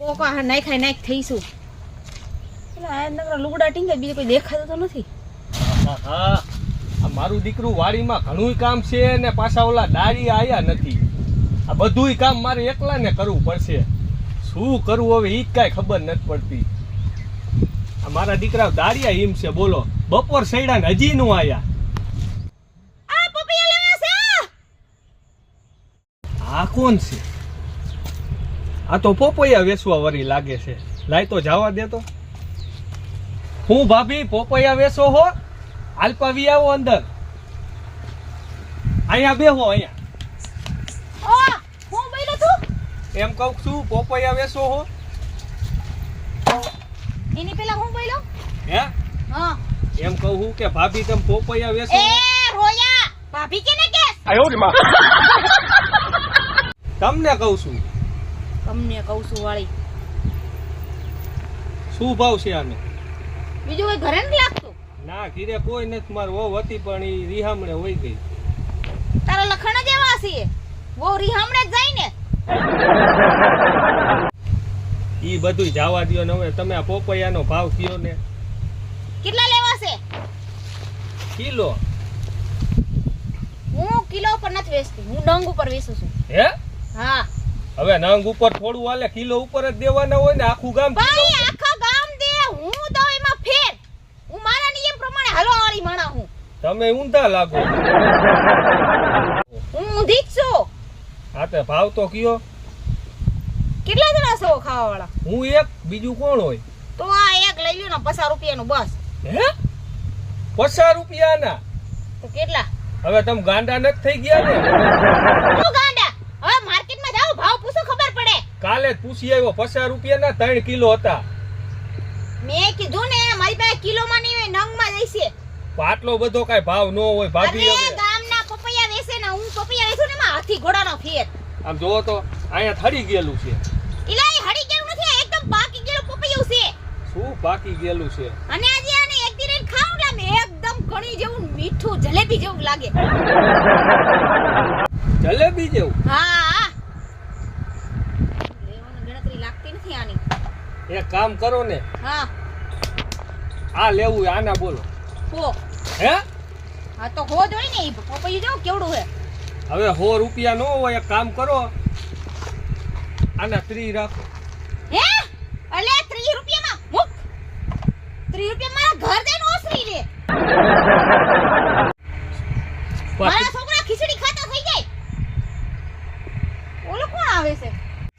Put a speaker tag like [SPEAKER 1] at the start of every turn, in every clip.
[SPEAKER 1] Poco નાખ થઈશું. એટલે આ નકરા લુગડા ટીંગે બીજું કોઈ દેખાતું તો નથી.
[SPEAKER 2] હા આ મારું દીકરું વાડીમાં ઘણું કામ છે ને પાછા ઓલા દાળી આયા નથી. આ બધુંય કામ મારે એકલાને કરવું પડશે. શું કરવું હવે ઈ કાંઈ ખબર નથી પડતી. આ મારા દીકરા દાળિયા હિમ છે બોલો. બપોર સૈડા ને હજી નું આયા.
[SPEAKER 1] આ પપૈયા લેવા છે.
[SPEAKER 2] આ કોણ છે? આ તો પોપૈયા વેચવા વરી લાગે છે. લાય તો જવા દે તો. હું ભાભી પોપૈયા વેચો હો? આલપાવી આવો અંદર. અહીંયા બેહો અહીંયા.
[SPEAKER 1] હું બોલ્યો તું?
[SPEAKER 2] એમ કહું છું પોપૈયા વેચો હો?
[SPEAKER 1] એની પેલા હું બોલ્યો?
[SPEAKER 2] હે?
[SPEAKER 1] હા.
[SPEAKER 2] એમ કહું કે ભાભી તમે પોપૈયા વેચો?
[SPEAKER 1] એ રોયા ભાભી કેને કે?
[SPEAKER 2] આયો રે માં. તમને કહું છું.
[SPEAKER 1] તમને કહું છું વાળી.
[SPEAKER 2] શું ભાવ છે આને?
[SPEAKER 1] બીજું કોઈ ઘરે નથી લાગતું?
[SPEAKER 2] ના ઘીરે કોઈ નથી. માર વહુ હતી પણ ઈ રીહામણે વઈ ગઈ.
[SPEAKER 1] તારા લખણ જ એવા છે. વો રીહામણે જ જાય ને.
[SPEAKER 2] ઈ બધુંય જવા દ્યો ને હવે તમે આ પોપૈયાનો ભાવ કયો ને.
[SPEAKER 1] કેટલા લેવા છે?
[SPEAKER 2] કિલો.
[SPEAKER 1] હું કિલો ઉપર નથી વેચતી. હું ડંગ ઉપર વેચું છું.
[SPEAKER 2] હે?
[SPEAKER 1] હા.
[SPEAKER 2] હવે નંગ ઉપર થોડું હાલે. કિલો ઉપર જ દેવાના હોય ને આખું ગામ.
[SPEAKER 1] ભાઈ આખા ગામ દે. હું તો એમાં ફેર. હું મારા નિયમ પ્રમાણે હાલો વાળી માણા હું.
[SPEAKER 2] તમે ઊંધા લાગો.
[SPEAKER 1] હું ઊંધી જ છું.
[SPEAKER 2] હા તે ભાવ તો કયો.
[SPEAKER 1] કેટલા જણા છો ખાવા વાળા?
[SPEAKER 2] હું એક, બીજું કોણ હોય?
[SPEAKER 1] તો આ એક લઈ લ્યો ને 50 રૂપિયાનું બસ.
[SPEAKER 2] હે? 50 રૂપિયાના?
[SPEAKER 1] તો કેટલા?
[SPEAKER 2] હવે તમે ગાંડા નથી થઈ ગયા ને?
[SPEAKER 1] હું ગાંડા? હવે માર્કેટમાં જાવ ભાવ પૂછો ખબર પડે.
[SPEAKER 2] કાલે જ પૂછી આવ્યો 50 રૂપિયાના 3 કિલો હતા.
[SPEAKER 1] મેં કીધું ને મારી પાસે કિલોમાં નહીં હોય નંગમાં જઈશે.
[SPEAKER 2] આટલો બધો કઈ ભાવ ન હોય ભાભી.
[SPEAKER 1] અરે
[SPEAKER 2] હવે
[SPEAKER 1] ગામના પપૈયા વેચે ને હું પપૈયા વેચું ને એમાં હાથી ઘોડાનો ફેર.
[SPEAKER 2] આમ જોવો તો અહીંયા થડી ગયેલું છે.
[SPEAKER 1] ઇલાઈ હડી ગયેલું નથી. આ એકદમ પાકી ગયેલું પપૈયું છે.
[SPEAKER 2] શું બાકી ગયેલું છે?
[SPEAKER 1] અને આજે આને એક દિન ખાઉં ને આમ એકદમ કણી જેવું મીઠું જલેબી જેવું લાગે.
[SPEAKER 2] જલેબી જેવું?
[SPEAKER 1] હા. લેવાની ગણતરી લાગતી નથી આની.
[SPEAKER 2] એક કામ કરો ને.
[SPEAKER 1] હા.
[SPEAKER 2] આ લેવું આના બોલો.
[SPEAKER 1] હો.
[SPEAKER 2] હે?
[SPEAKER 1] હા તો હો જોઈ ને ઈ પપૈયું જો કેવડું છે.
[SPEAKER 2] હવે 100 રૂપિયા નો હોય. એક કામ કરો આના 30 રાખો.
[SPEAKER 1] હે? અલે 30 રૂપિયામાં મુક. 30 રૂપિયામાં ઘર દેન ઓસરી લે. મારા છોકરા ખીચડી ખાતા થઈ જાય. ઓલો કોણ આવે છે?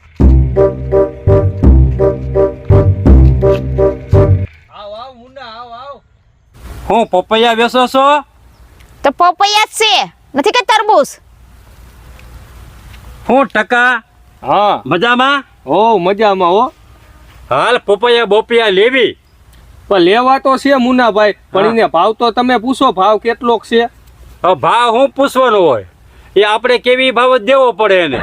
[SPEAKER 2] આવ આવ મુન્ના આવ આવ.
[SPEAKER 3] હું પપૈયા વેચો છો?
[SPEAKER 1] તો પપૈયા જ છે. નથી કે તરબૂચ?
[SPEAKER 3] હું ટકા
[SPEAKER 2] હા
[SPEAKER 3] મજામાં?
[SPEAKER 2] ઓ મજામાં હો.
[SPEAKER 3] હાલ પપૈયા બોપૈયા લેવી.
[SPEAKER 2] પણ લેવા તો છે મુન્નાભાઈ. પણ એને ભાવ તો તમે પૂછો. ભાવ કેટલોક છે?
[SPEAKER 3] હવે ભાવ હું પૂછવાનો હોય? એ આપણે કેવી ભાવ જ દેવો પડે એને.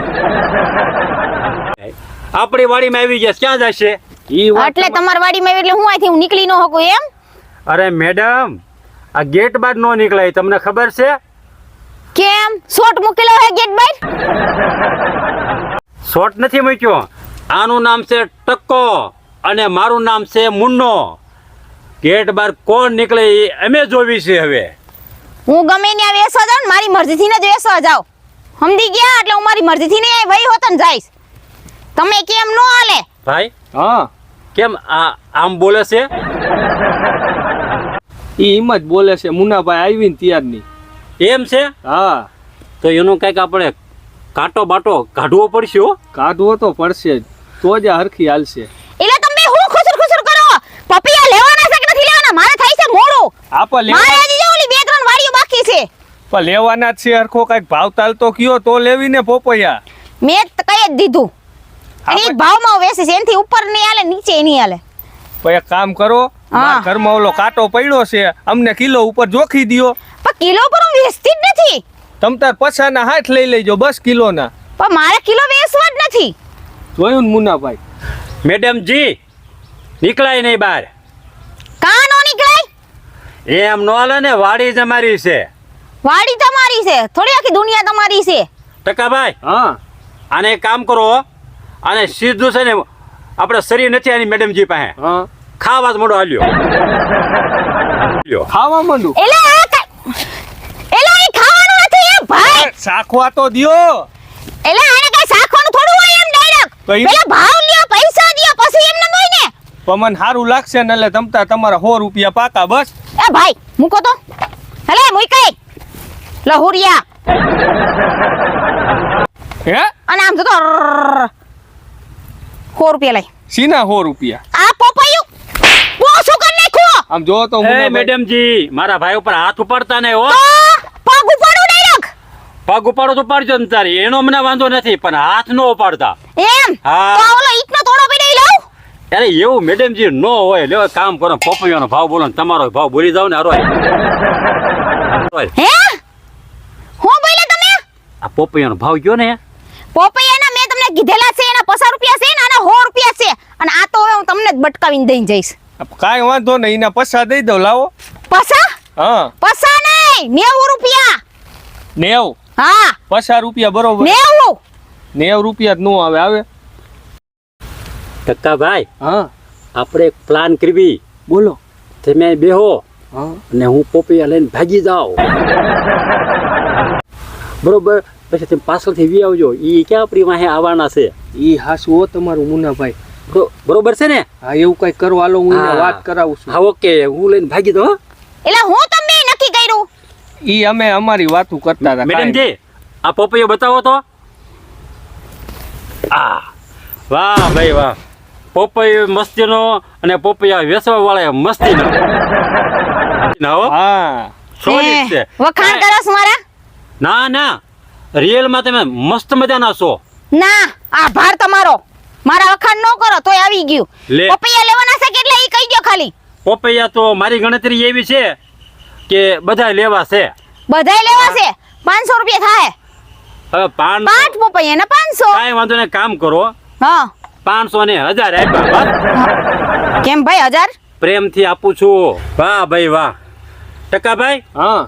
[SPEAKER 3] આપણી વાડીમાં આવી ગયા ક્યાં જશે?
[SPEAKER 2] ઈ વાત
[SPEAKER 1] એટલે તમારી વાડીમાં એટલે હું આથી હું નીકળી ન શકું એમ?
[SPEAKER 3] અરે મેડમ આ ગેટ બાર નો નીકળાય તમને ખબર છે?
[SPEAKER 1] કેમ? શોટ મૂકેલો હે ગેટ બાર?
[SPEAKER 3] શોર્ટ નથી મૂક્યો. આનું નામ છે ટક્કો અને મારું નામ છે મુન્નો. ગેટ બાર કોણ નીકળે એ અમે જોવી છે. હવે
[SPEAKER 1] હું ગમે ત્યાં વેસવા જાઉં ને મારી મરજીથી જ વેસવા જાઉં. સમજી ગયા? એટલે હું મારી મરજીથી ને વહી હોતન જઈશ. તમે કેમ નો હાલે?
[SPEAKER 3] ભાઈ
[SPEAKER 2] હા
[SPEAKER 3] કેમ આમ બોલે છે?
[SPEAKER 2] ઈ એમ જ બોલે છે મુન્નાભાઈ આવીને ત્યારની.
[SPEAKER 3] એમ છે?
[SPEAKER 2] હા
[SPEAKER 3] તો એનું કઈક આપણે કાંટો બાટો કાઢવો પડશે હો.
[SPEAKER 2] કાઢવો તો પડશે જ. તો જ આ હરખી હાલશે.
[SPEAKER 1] એટલે તમે હું ખુસર કરો? પપૈયા લેવાના છે કે નથી લેવાના? મારે થાય છે મોડું.
[SPEAKER 2] આપા
[SPEAKER 1] મારે હજી જો ઓલી 2-3 વાડીઓ બાકી છે.
[SPEAKER 2] પણ લેવાના જ છે. હરખો કઈક ભાવ તાલ તો કયો તો લેવી ને પોપૈયા.
[SPEAKER 1] મેં કહી જ દીધું. અને એક ભાવમાં વેચે છે. એનથી ઉપર નહીં હાલે, નીચે નહીં હાલે.
[SPEAKER 2] તો એક કામ કરો. મારા ઘરમાં ઓલો કાંટો પડ્યો છે. અમને કિલો ઉપર જોખી દ્યો.
[SPEAKER 1] પણ કિલો પર હું વેચતી જ નથી.
[SPEAKER 2] તમ તાર પછાના હાથ લઈ લેજો બસ કિલોના.
[SPEAKER 1] પણ મારે કિલો વેચવા જ નથી.
[SPEAKER 2] જોયું ને મુન્નાભાઈ?
[SPEAKER 3] મેડમ જી નીકળાય નહીં બહાર.
[SPEAKER 1] કાં નો નીકળાય?
[SPEAKER 3] એમ નો હાલે ને. વાડી જ અમારી છે.
[SPEAKER 1] વાડી તમારી છે? થોડી આખી દુનિયા તમારી છે.
[SPEAKER 3] ટકાભાઈ
[SPEAKER 2] હા
[SPEAKER 3] આને એક કામ કરો. અને સીધું છે ને આપણે શરીર નથી આની મેડમજી પાસે
[SPEAKER 2] હા
[SPEAKER 3] ખાવા જ મોડો હાલ્યો લ્યો.
[SPEAKER 2] ખાવા માંડું
[SPEAKER 1] એલા આ એલા એ ખાવાનું નથી એ ભાઈ
[SPEAKER 2] શાખવા તો દ્યો
[SPEAKER 1] એલા આને કઈ શાખવાનું થોડું હોય એમ ડાયરેક્ટ
[SPEAKER 2] તો ઈ-
[SPEAKER 1] પેલા ભાવ લ્યો પૈસા દ્યો પછી એમ ન હોય ને
[SPEAKER 2] પણ મને સારું લાગશે ને એટલે તમતા તમારા 100 રૂપિયા પાકા બસ
[SPEAKER 1] એ ભાઈ મૂકો તો હલે મૂકી લહુરિયા
[SPEAKER 2] હે
[SPEAKER 1] અને આમ તો 100 રૂપિયા લઈ
[SPEAKER 2] સીના 100 રૂપિયા
[SPEAKER 1] આ પોપૈયું ઓછું કરી નાખ્યો
[SPEAKER 2] આમ જો તો
[SPEAKER 3] એ
[SPEAKER 2] મુન્નાભાઈ
[SPEAKER 3] મેડમજી મારા ભાઈ ઉપર હાથ ઉપાડતા નહીં હો
[SPEAKER 1] તો પગ ઉપાડો ડાયરેક્ટ
[SPEAKER 3] પગ ઉપાડો તો ઉપાડજો ને તારી એનો મને વાંધો નથી પણ હાથ નો ઉપાડતા
[SPEAKER 1] એમ
[SPEAKER 3] હા.
[SPEAKER 1] તો ઓલો ઈટનો તોડો પીડાઈ લઉં
[SPEAKER 3] અરે એવું મેડમજી નો હોય લ્યો એક કામ કરો પપૈયાનો ભાવ બોલો ને તમારો ભાવ બોલી જાવ ને અરોય
[SPEAKER 1] હે હું બોલે તમે
[SPEAKER 3] આ પપૈયાનો ભાવ ગયો ને
[SPEAKER 1] પોપૈયાના મેં તમને કીધેલા છે એના 50 રૂપિયા છે ને આના 100 રૂપિયા છે અને આ તો હવે હું તમને જ બટકાવીને દઈને જઈશ
[SPEAKER 2] કાંઈ વાંધો નહીં એના પૈસા દઈ દો લાવો
[SPEAKER 1] પસા
[SPEAKER 2] હા
[SPEAKER 1] પસા નહીં 90 રૂપિયા
[SPEAKER 2] 90
[SPEAKER 1] હા
[SPEAKER 2] 50 રૂપિયા બરોબર
[SPEAKER 1] 90
[SPEAKER 2] 90 રૂપિયા જ નો આવે આવે
[SPEAKER 3] કક્કા ભાઈ
[SPEAKER 2] હા
[SPEAKER 3] આપણે એક પ્લાન કરવી
[SPEAKER 2] બોલો
[SPEAKER 3] તમે બેહો
[SPEAKER 2] હા
[SPEAKER 3] અને હું પપૈયા લઈને ભાગી જાઉં બરોબર પછી તમે પાછળથી વી આવજો ઈ ક્યાં આપણી વાહે આવવાના છે
[SPEAKER 2] ઈ હાસુ હો તમારું મુન્નાભાઈ
[SPEAKER 3] બરોબર છે ને
[SPEAKER 2] હા એવું કઈ કરવા હાલો હું એને
[SPEAKER 3] હા.
[SPEAKER 2] વાત કરાવું છું
[SPEAKER 3] હા ઓકે હું લઈને ભાગી દઉં હો.
[SPEAKER 1] એટલે હું તમને નક્કી કર્યું
[SPEAKER 2] ઈ અમે અમારી વાતું કરતા હતા
[SPEAKER 3] મેડમજી આ પપૈયો બતાવો તો આ વાહ ભાઈ વાહ પપૈયો મસ્તીનો અને પપૈયા વેચવા વાળા મસ્તીનો હો
[SPEAKER 2] હા
[SPEAKER 3] solid છે
[SPEAKER 1] વખાણ કરો છો મારા
[SPEAKER 3] ના ના રિયલ માં તમે મસ્ત મજાના છો
[SPEAKER 1] ના આભાર તમારો મારા વખાણ ન કરો તોય આવી ગયું
[SPEAKER 3] લે.
[SPEAKER 1] પપૈયા લેવાના છે કેટલા ઈ કહી દો ખાલી
[SPEAKER 3] પપૈયા તો મારી ગણતરી એવી છે કે બધા લેવા છે
[SPEAKER 1] બધાય લેવા છે 500 રૂપિયા થાય
[SPEAKER 3] હવે 500
[SPEAKER 1] પાંચ પપૈયા ને 500
[SPEAKER 3] કાંઈ વાંધો નહીં કામ કરો
[SPEAKER 1] હા
[SPEAKER 3] 500 ને 1000 આપ્યા બસ.
[SPEAKER 1] કેમ ભાઈ 1000
[SPEAKER 3] પ્રેમથી આપું છું વાહ ભાઈ વાહ ટકાભાઈ
[SPEAKER 2] હા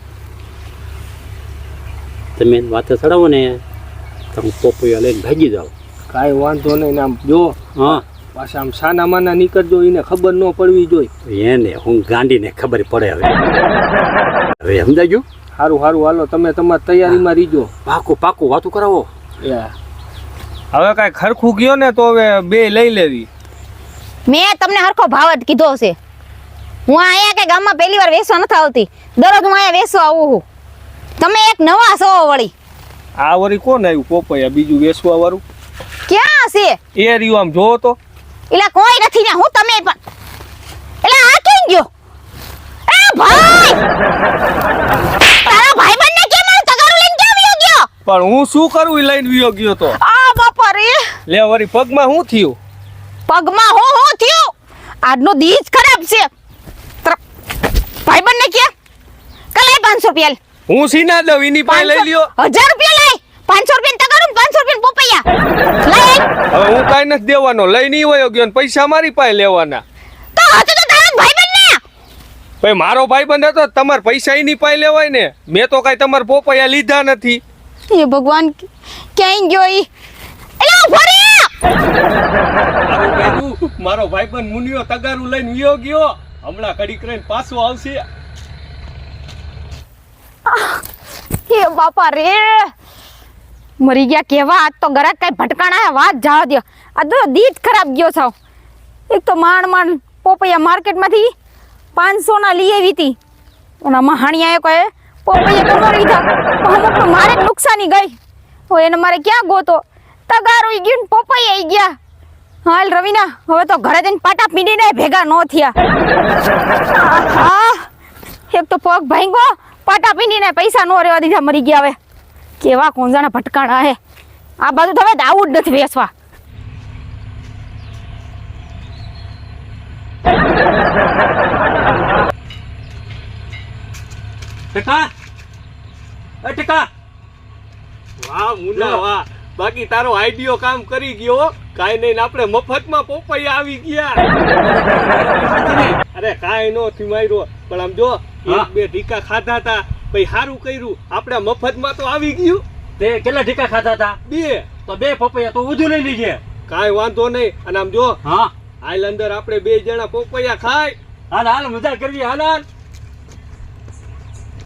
[SPEAKER 3] તમે વાતે ચડાવો ને તો હું પપૈયા લઈને ભાગી જાઉં
[SPEAKER 2] કાંઈ વાંધો નહીં આમ જો
[SPEAKER 3] હા
[SPEAKER 2] પાછા આમ સાના માના નીકળજો એને ખબર ન પડવી જોઈએ
[SPEAKER 3] એને હું ગાંડીને ખબર પડે હવે હવે સમજાઈ ગયું
[SPEAKER 2] સારું સારું હાલો તમે તમારી તૈયારીમાં રીજો
[SPEAKER 3] પાકું પાકું વાતું કરાવો
[SPEAKER 2] હવે કાંઈ ખરખું ગયો ને તો હવે બે લઈ લેવી
[SPEAKER 1] મેં તમને હરખો ભાવ જ કીધો છે હું અહીંયા કે ગામમાં પહેલી વાર વેસવા નથી આવતી દરરોજ હું અહીંયા વેસવા આવું છું તમે એક નવા છો વળી
[SPEAKER 2] આ વળી કોણ આવ્યું પોપૈયા બીજું વેચવા વાળું
[SPEAKER 1] ક્યાં છે
[SPEAKER 2] એ રહ્યું આમ જોવો તો
[SPEAKER 1] એટલે કોઈ નથી ને હું તમે પણ એટલે આ કેમ ગયો એ ભાઈ તારા ભાઈબંધને કેમ મારું તગારું લઈને કેમ વયો ગયો
[SPEAKER 2] પણ હું શું કરું ઈ લઈને વિયો ગયો તો
[SPEAKER 1] આ બાપા રે
[SPEAKER 2] લે વળી પગમાં શું થયું
[SPEAKER 1] પગમાં હું થયું આજનો દી જ ખરાબ છે ભાઈબંધને કે કલાય 500 રૂપિયા લે.
[SPEAKER 2] હું સીના દઉં એની પાસે લઈ લ્યો
[SPEAKER 1] 1000 રૂપિયા લઈ 500 રૂપિયા તગારું 500 રૂપિયા પોપૈયા લઈ
[SPEAKER 2] હવે હું કાંઈ નથી દેવાનો લઈને ઈ વયો ગયો ને પૈસા મારી પાસે લેવાના
[SPEAKER 1] તો હતો તો તારો ભાઈબંધને
[SPEAKER 2] ભાઈ મારો ભાઈબંધ હતો તમારે પૈસા એની પાસે લેવાય ને મેં તો કાંઈ તમારા પોપૈયા લીધા નથી
[SPEAKER 1] એ ભગવાન ક્યાં ગયો ઈ એલા ઉભો રે
[SPEAKER 2] મારું કહેતું મારો ભાઈબંધ મુનિયો તગારું લઈને વિયો ગયો હમણાં કડીક રહીને પાછો આવશે
[SPEAKER 1] એ બાપા રે મરી ગયા કેવા આજ તો ગરાક કઈ ભટકાણા હે વાત જવા દો આ તો દી જ ખરાબ ગયો છો એક તો માંડ પોપૈયા માર્કેટમાંથી 500 ના લઈ આવી હતી અને મહાણિયાએ કહે પોપૈયા તો મરી લીધા અમુક તો મારે જ નુકસાની ગઈ હો એને મારે ક્યાં ગોતો તગારો ઈ ગયું ને પોપૈયા ઈ ગયા હાલ રવિના હવે તો ઘરે જઈને પાટા પીડીને ભેગા ન થયા આહા એક તો પગ ભાંગો પાટા પીંડીને પૈસા નો રહેવા દીધા મરી ગયા હવે કેવા કોંજાણા ભટકાણા હે આ બાજુ તો હવે આવું જ નથી વેસવા
[SPEAKER 3] ટકા
[SPEAKER 2] વાહ મુન્ના વાહ બાકી તારો આઈડિયો કામ કરી ગયો કાઈ નહીં આપણે મફતમાં પોપૈયા આવી ગયા અરે કાઈ નો થી માર્યો પણ આમ જો એક બે ઢીકા ખાધા હતા પછી સારું કર્યું આપણે મફતમાં તો આવી ગયું
[SPEAKER 3] તે કેટલા ઢીકા ખાધા હતા
[SPEAKER 2] બે
[SPEAKER 3] તો 2 પપૈયા તો વધુ લઈ લીજે
[SPEAKER 2] કાંઈ વાંધો નહીં. અને આમ જો
[SPEAKER 3] હા
[SPEAKER 2] હાલ અંદર આપણે બે જણા પોપૈયા ખાય.
[SPEAKER 3] હાલ હાલ મજા કરવી હાલ હાલ